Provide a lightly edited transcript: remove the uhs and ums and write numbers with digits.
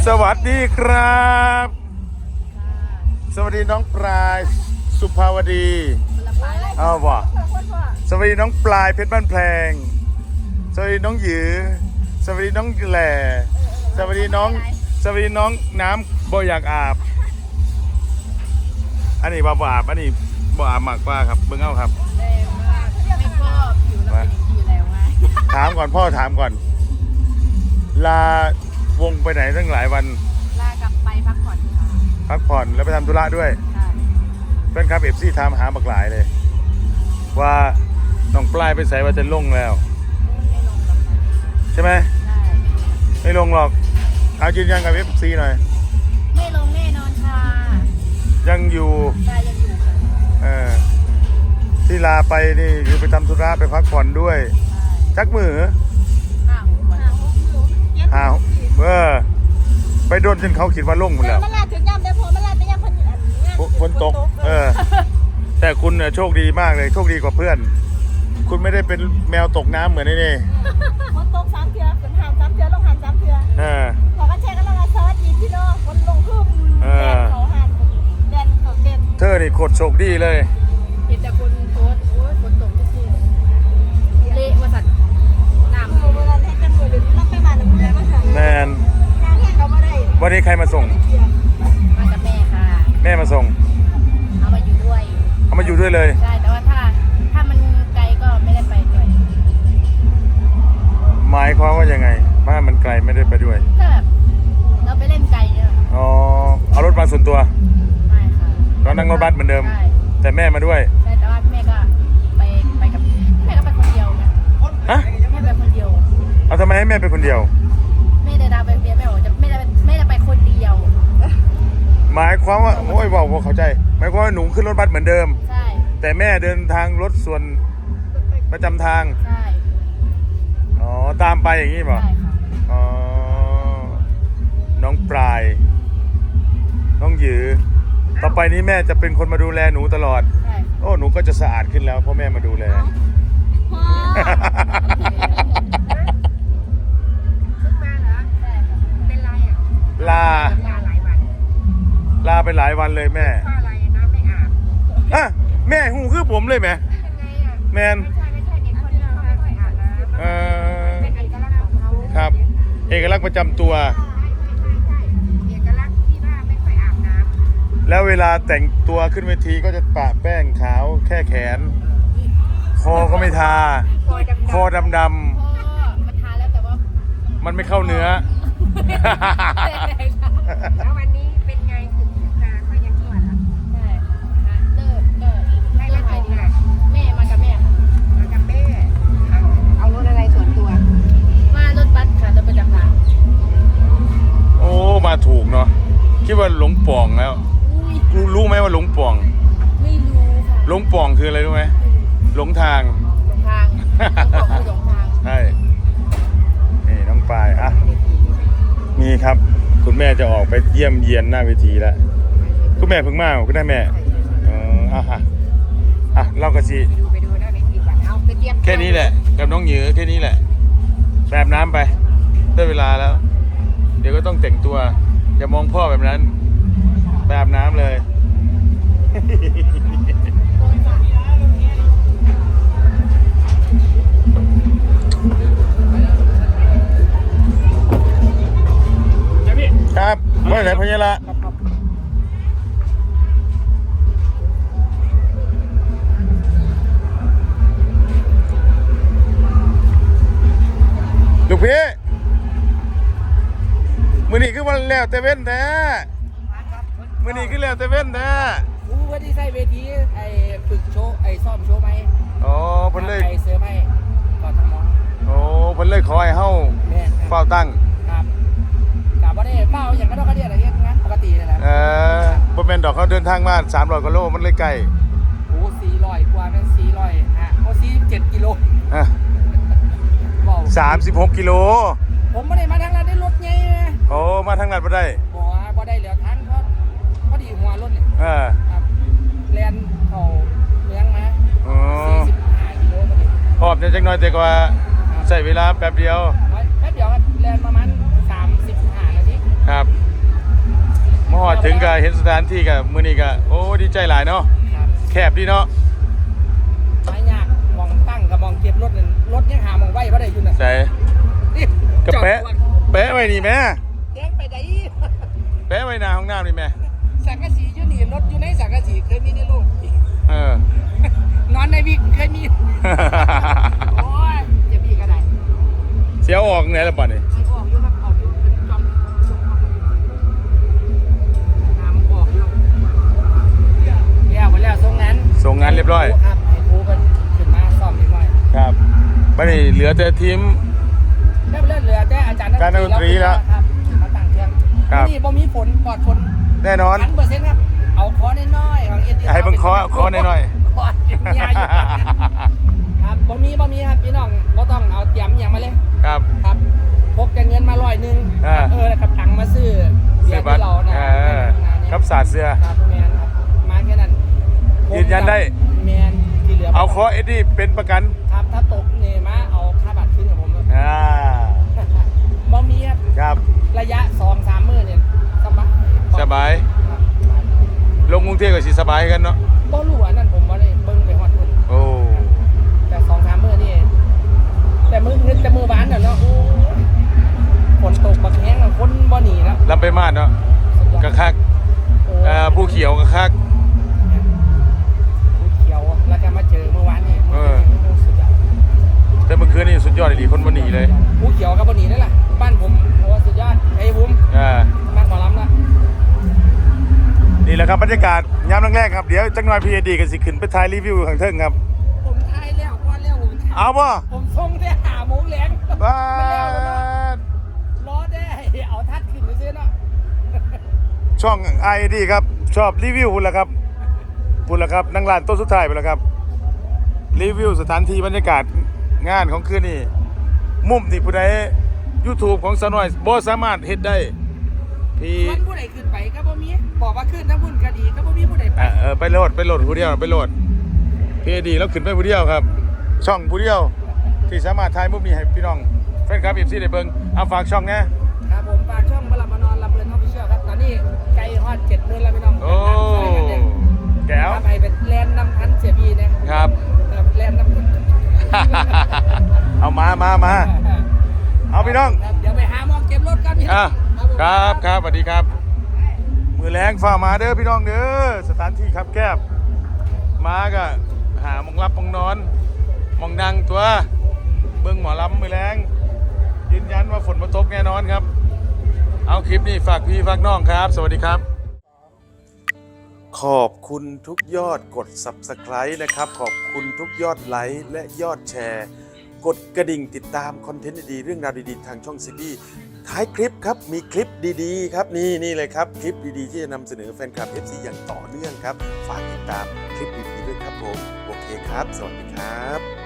สวัสดีครับสวัสดีน้องปลายสุภาวดีเอาบ่สวัสดีน้องปลายเพชรบ้านแพงสวัสดีน้องหยือสวัสดีน้องแหล่สวัสดีน้องน้ำบ่อยากอาบอันนี้บ่อาบอันนี้บ่อาบมากกว่าครับเบิ่งเอาครับไม่ชอบผิวเราเป็นอย่างนี้อยู่แล้วไงถามก่อนพ่อถามก่อนลาวงไปไหนตั้งหลายวันลากลับไปพักผ่อนค่ะพักผ่อนแล้วไปทำธุระด้วยเพื่อนครับเอฟซีถามหาบักหลายเลยว่าน้องปลายไปใส่ว่าจะลงแล้วไม่ลงหรอกใช่ไหมไม่ลงหรอกเอายืนยันกับเอฟซีหน่อยไม่ลงแน่นอนค่ะยังอยู่ยังอยู่ที่ลาไปนี่คือไปทำธุระไปพักผ่อนด้วยจักมือหาไปโดนจนเขาคิดว่าลงหมดแล้วมันลาถึงย่ำได้พอมันลาไปย่ำฝนตกแต่คุณโชคดีมากเลยโชคดีกว่าเพื่อนคุณไม่ได้เป็นแมวตกน้ำเหมือนนี่ฝนตก3 เทื่อฝนหาม3 เทื่อลงหาม3 เทื่อพอกันแช่กันแล้วมาเซิร์ชดีพี่น้องฝนลงขึ้นแดนเขาหามแดนเขาเด่นเธอนี่โคตรโชคดีเลยเห็นแต่คนโพสโอ้ยฝนตกทุกทีเละวสัตว์น้ำเวลาให้กันหมดเลยรับไปมาหนึ่งเดือนมาค่ะแมนวันนี้ใครมาส่งมากับแม่ค่ะแม่มาส่งเอามาอยู่ด้วยเลยใช่แต่ว่าถ้ามันไกลก็ไม่ได้ไปด้วยหมายความว่ายังไงบ้านมันไกลไม่ได้ไปด้วยก็แบบเราไปเล่นไกลเนี่ยอ๋อเอารถมาส่วนตัวไม่ค่ะก็นั่งรถบัสเหมือนเดิมแต่แม่มาด้วยใช่แต่ว่าแม่ก็ไปกับแม่ก็ไปคนเดียวนะฮะแม่ไปคนเดียวเอาทำไมให้แม่ไปคนเดียวแม่เดินทางไปคนเดียวแม่บอกจะไม่ได้ไปคนเดียวหมายความว่าโอ้ยบอกว่าเข้าใจหมายความว่าหนูขึ้นรถบัสเหมือนเดิมใช่แต่แม่เดินทางรถส่วนประจำทางใช่อ๋อตามไปอย่างนี้ป่ะใช่ค่ะอ๋อน้องปลายน้องหยือต่อไปนี้แม่จะเป็นคนมาดูแลหนูตลอดใช่โอ้หนูก็จะสะอาดขึ้นแล้วเพราะแม่มาดูแลพ่อเป็นไรอ่ะลาไปหลายวันเลยแม่อะไรนะไม่อาบแม่หูคือผมเลยแม่แมนไม่ใช่เนี่ยคนเราไม่ค่อยอาบน้ำเป็นเอกลักษณ์ของเขาครับเอกลักษณ์ประจำตัวเอกลักษณ์ที่ว่าไม่ค่อยอาบน้ำแล้วเวลาแต่งตัวขึ้นเวทีก็จะปะแป้งขาวแค่แขนคอก็ไม่ทาคอดำมันทาแล้วแต่ว่ามันไม่เข้าเนื้อแล้ววันนี้เป็นไงถึงตาก็ยังชั่วแล้วใช่ค่ะเลิกให้มาส่งค่ะแม่มากับแม่ค่ะมากับแม่เอารถอะไรส่วนตัวมารถบัสค่ะรถประจำทางโอ้มาถูกเนาะคิดว่าหลงป่องแล้วรู้ไหมว่าหลงป่องไม่รู้ค่ะหลงป่องคืออะไรรู้ไหมหลงทางใช่นี่น้องปลายมีครับคุณแม่จะออกไปเยี่ยมเยียนหน้าเวทีแล้วคุณแม่เพิ่งมาคุณได้แม่เล่ากระซีไปดูหน้าเวทีก่อนเอาไปเตรียมแค่นี้แหละกับน้องหยือแค่นี้แหละแบบน้ำไปได้เวลาแล้วเดี๋ยวก็ต้องแต่งตัวอย่ามองพ่อแบบนั้นแบบน้ำเลยครับว่าไหนพญาละลูกพี่มือนี้คือวันแล้วแต่เว้นแท้มือนี้คือแล้วแต่เว้นแท้ว่าที่ใส่เวทีไอ้ฝึกโชว์ไอ้ซ่อมโชว์ไหมอ๋อเพิ่นเลยไอ้เสือไหมก่อนทำมองโอ้เพิ่นเลยขอให้เฮาเฝ้าตั้งครับกะบ่ได้เฝ้าอย่างก็ต้องกระเดียอะไรเงี้ยงั้นปกติเลยนะบ่แม่นดอกเขาเดินทางมา300 กว่าโลมันเลยไกลโอ้400 กว่านั้น400โอ้47 กิโล 36 กิโลผมไม่ได้มาทางนั้นได้รถไงโอ้มาทางนั้นบ่ได้บ่ได้เหลือทางเพราะดีหัวรถเนี่ยครับแลนเข้าเมืองมา45 กิโลพอดีพอบจักหน่อยแต่กว่าใช้เวลาแป๊บเดียวครับแลนประมาณ35 นาทีครับถึงกับเห็นสถานที่กับมื้อนี้ก็โอ้ดีใจหลายเนาะครับแคบดีเนาะไม่ยากมองตั้งกับมองเก็บรถนั่นรถยังหามองไว้บ่ได้อยู่น่ะใส่นี่กระแปะแปะไว้นี่แม่แจ้งไปไหนแปะไว้หน้าห้องน้ำนี่แม่สังกะสีอยู่นี่รถอยู่ในสังกะสีเคยมีในโลกเออนอนในวิกเคยมี โอ้ยเจ็บอีกก็ได้เสียวออกไหนละป่ะนี่มันออกอยู่ครับออกอยู่เป็นจอมน้ำออกอยู่แล้วหมดแล้วทรงนั้นส่งงานเรียบร้อยครับให้ครูเพิ่นขึ้นมาซ่อมเรียบร้อยครับบัดนี้เหลือแต่ทีมได้เหลือแต่อาจารย์การดนตรีแล้วครับมาตั้งเครื่องครับนี่บ่มีฝนปลอดฝนแน่นอน 100%ครับเอาคอน้อยๆของ SDL ให้เบิ่งคอน้อยๆคอใหญ่อยู่ครับบ่มีครับพี่น้องบ่ต้องเอาเตรียมหยังมาเลยครับครับพกแต่เงินมา100 อ่านะครับตังค์มาซื้อเบียร์ที่เรานะครับสาดเสื้อครับแมนครับมาแค่นั้นยืนยันได้แมนที่เหลือเอาคอเอ็ดดี้เป็นประกันครับถ้าตกเนี่ยมาเอาค่าบัตรขึ้นกับผมเลย บ่มีครับครับระยะ 2-3 มื้อเนี่ยสบายสบายครับลงกรุงเทพก็สิสบายกันเนาะบ่รู้อันนั้นผมบ่ได้เบิ่งไปฮอดพุ่นโอ้แต่ 2-3 มื้อนี่แต่มื้อวานน่ะเนาะโอ้ยฝนตกบักแห้งอะคนบ่หนีแล้วลำไปมาดเนาะสุดยอดกระคักโอ้ยผู้เขียวกระคักผู้เขียวแล้วก็มาเจอเมื่อวานนี่เออสุดยอดแต่เมื่อคืนนี่สุดยอดดีคนบ่หนีเลยผู้เขียวกับบนหนีนั่นแหละบ้านผมโอ้สุดยอดไอ้บุ้มอ่าบ้านหมอลำละนี่แหละครับบรรยากาศยามแรกๆครับเดี๋ยวจักหน่อยพีเอดีก็สิขึ้นไปถ่ายรีวิวข้างเทิงครับผมทายแล้วก่อนแล้วผมทายเอาบ่ผมส่งได้5 โมงแรงบ้ามันแล้วเนาะดรอได้เอาทัดขึ้นไปซื้อเนาะช่องไอดีครับชอบรีวิวพุ่นละครับพุ่นละครับนั่งร้านโต๊ะสุดท้ายไปแล้วครับรีวิวสถานที่บรรยากาศงานของคืนนี้มุมที่ผู้ใด YouTube ของสาวน้อยบ่สามารถเฮ็ดได้พี่มันผู้ใดขึ้นไปก็บ่มีบอกว่าขึ้นทั้งบุญก็ดีก็บ่มีผู้ใดไปไปโหลดผู้เดียวไปโหลดพี่ดีแล้วขึ้นไปผู้เดียวครับ ช่องผู้เดียวที่สามารถถ่ายมุมนี้ให้พี่น้องแฟนคลับ FC ได้เบิ่งเอาฝากช่องนะครับผมฝากช่องบลับมานอนลำเบิร์นออฟฟิเชียลครับตอนนี้ไกลฮอด70,000แล้วพี่น้องโอ้ แก้วครับให้เป็นแลนด์นำทันเสียบีนะครับ แลนด์นำทันเอามาเอาพี่น้องครับเดี๋ยวไปหาหมอเก็บรถกันพี่น้อ่ะองครับสวัสดีครับ มือแรงฝ่ามาเด้อพี่น้องเด้อสถานที่ครับแคบมาก็หาหมองรับหมองนอนหมองนั่งตัวเบิ่งหมอลำมือแรงยืนยันว่าฝนมาตกแน่นอนครับ เอาคลิปนี้ฝากพี่ฝากน้องครับ สวัสดีครับ ขอบคุณทุกยอดกด Subscribe นะครับขอบคุณทุกยอดไลค์และยอดแชร์ กดกระดิ่งติดตามคอนเทนต์ดีๆเรื่องราวดีๆทางช่องซีบีท้ายคลิปครับมีคลิปดีๆครับนี่เลยครับคลิปดีๆที่จะนำเสนอแฟนคลับ FC อย่างต่อเนื่องครับฝากติดตามคลิปดีๆด้วยครับผมโอเคครับสวัสดีครับ